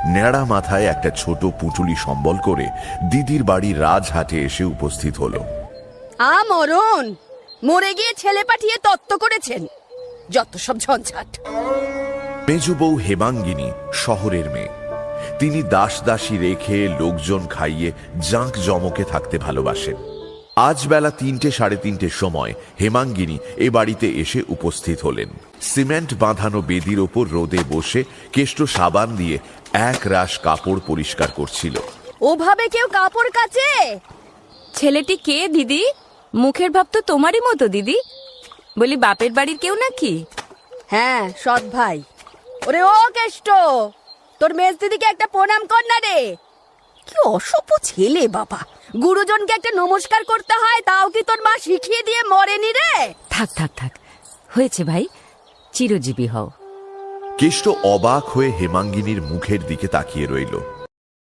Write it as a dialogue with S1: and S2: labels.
S1: নেড়া মাথায় একটা ছোট পুঁটুলি সম্বল করে দিদির বাড়ির রাজহাটে এসে উপস্থিত হলো।
S2: মরণ, মরে গিয়ে ছেলে পাঠিয়ে তত্ত্ব করেছেন, যত সব ঝঞ্ঝাট।
S1: মেজ বউ হেমাঙ্গিনী শহরের মেয়ে। তিনি দাস দাসী রেখে লোকজন খাইয়ে জাঁক জমকে থাকতে ভালোবাসেন। আজ বেলা ৩টে সাড়ে ৩টের সময় হেমাঙ্গিনী এ বাড়িতে এসে উপস্থিত হলেন। সিমেন্ট বাঁধানো বেদির ওপর রোদে বসে কেষ্ট সাবান দিয়ে এক রাশ কাপড় পরিষ্কার করছিল।
S2: ওভাবে কেউ কাপড় কাচে?
S3: ছেলেটি কে দিদি? মুখের ভাব তো তোমারই মতো দিদি। বলি বাপের বাড়ির কেউ নাকি?
S2: হ্যাঁ, সৎ ভাই। ওরে ও কেষ্ট, তোর মেজ দিদিকে একটা প্রণাম কর না রে। কি অসভ্য ছেলে বাবা, গুরুজনকে একটা নমস্কার করতে হয়, তাও কি তোর মা শিখিয়ে দিয়ে মরেনি রে?
S3: থাক থাক থাক, হয়েছে ভাই, চিরজীবী হও।
S1: কেষ্ট অবাক হয়ে হেমাঙ্গিনীর মুখের দিকে তাকিয়ে রইল।